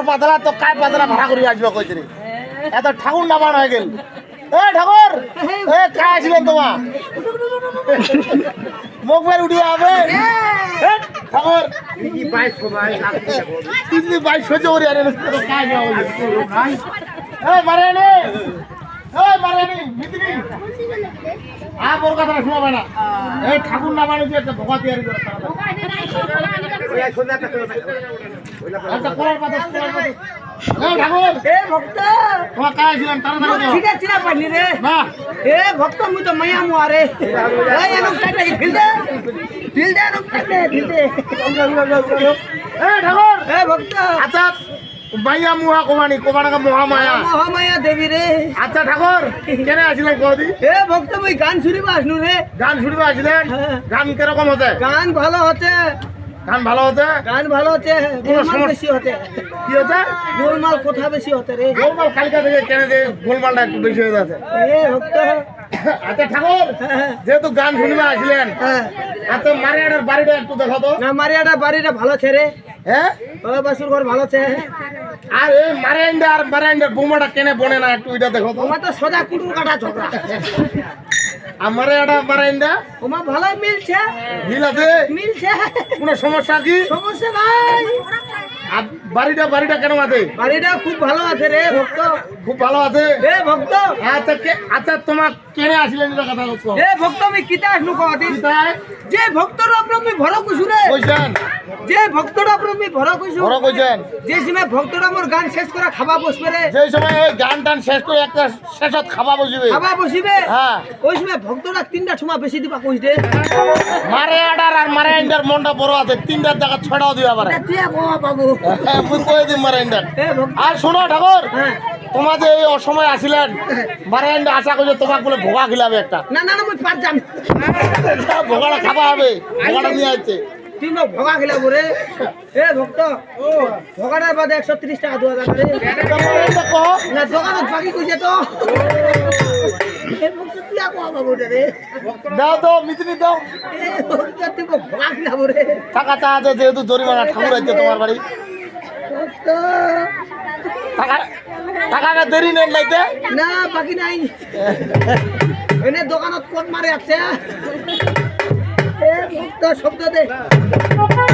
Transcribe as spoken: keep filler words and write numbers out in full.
পাতলা তো কায় পাতলা ভাড়া করে আসবে কইতে রে এত ঠাকুর নামান হয়ে গেল এ ঠাকুর এ কায় আসবেন তোমা মুখ বের উঠিয়ে হবে ঠাকুর কি বাইশ ভাই আপনি বাইশ সহ্য করে আরে কায় যাও এ মারেনি এ মারেনি মিত্রি আ বড় কথা শোনাবে না এই ঠাকুর নামানো যে একটা ভোগা তৈরি করে আচ্ছা কোলার পাতা কোলার পাতা এ ঠাকুর এ ভক্ত তোমার কায় ছিলেন তাড়াতাড়ি ঠিক আছে না পাইনি রে না এ ভক্ত মুই তো মাইয়া মু আরে এই এনক টাইটা ফিল দে ফিল দে এনক টাইটা ফিল দে এ ঠাকুর এ ভক্ত আচ্ছা মাইয়া মুহা কোমানি কোমানাকা মহামায়া মহামায়া দেবী রে আচ্ছা ঠাকুর কেন আসলেন কদি এ ভক্ত মুই গান শুনিবা আসনু রে গান শুনবে আসলেন গান কিরকম হচ্ছে গান ভালো হচ্ছে গান ভালো হচ্ছে গান ভালো হচ্ছে গোলমাল বেশি হচ্ছে কি হচ্ছে গোলমাল কোথা বেশি হচ্ছে রে গোলমাল কালকা থেকে কেন যে গোলমালটা একটু বেশি হয়ে যাচ্ছে এ ভক্ত আচ্ছা ঠাকুর যেহেতু গান শুনবে আসলেন হ্যাঁ আচ্ছা মারিয়াটার বাড়িটা একটু দেখো তো না মারিয়াটা বাড়িটা ভালো ছেড়ে হ্যাঁ ও বাসুর ঘর ভালো আছে আর এই মারিয়ান্ডা আর মারিয়ান্ডার বোমাটা কেনে বনে না একটু এটা দেখো তো ওমা তো সোজা কুটুর কাটা ঝগড়া আর মারিয়াটা মারিয়ান্ডা ওমা ভালোই মিলছে মিল আছে মিলছে কোনো সমস্যা কি সমস্যা নাই আর বাড়িটা বাড়িটা কেন আছে বাড়িটা খুব ভালো আছে রে ভক্ত খুব ভালো আছে এ ভক্ত আচ্ছা কে আচ্ছা তোমার কেনে আসলেন এটা কথা বলছো এ ভক্ত আমি কিতা আসনু কদিন তাই যে ভক্তর উপর আমি ভর কইছু রে কইছেন যে ভক্তর উপর আমি ভর কইছু বড় কইছেন যে সময় ভক্তরা আমার গান শেষ করে খাবা বসবে রে যে সময় এই গান টান শেষ করে একটা শেষত খাওয়া বসবে খাবা বসিবে হ্যাঁ ওই সময় ভক্তরা তিনটা সময় বেশি দিবা কইছ দে মারিয়াডার আর মারিয়ান্ডার মনটা বড় আছে তিনটার জায়গা ছড়াও দিবা পারে তুই বাবা বাবু হ্যাঁ মুই কই দিম মারিয়ান্ডার এ ভক্ত আর শোনো ঠাকুর হ্যাঁ তোমার যে এই অসময় আসিলেন মারিয়ান্ডা আশা করছে তোমাকে বলে ভোগা খিলাবে একটা না না না মুই পার যাম ভোগাটা খাওয়া হবে ভোগাটা নিয়ে আসছে তুই মোক ভগা খেলা বলে এ ভক্ত ভগাটার বাদে একশো ত্রিশ টাকা দু হাজার রে না দোকানত বাকি কইছে তো এ ভক্ত তুই আকো বাবু রে দাও তো মিত্রি দাও এ ভক্ত তুই মোক ভগা খেলা বলে টাকা চা আছে যেহেতু জরিমানা ঠাকুর আছে তোমার বাড়ি ভক্ত টাকা টাকা দেরি নেই লাইতে না বাকি নাই এনে দোকানত কোন মারে আছে এ ভক্ত শব্দ দে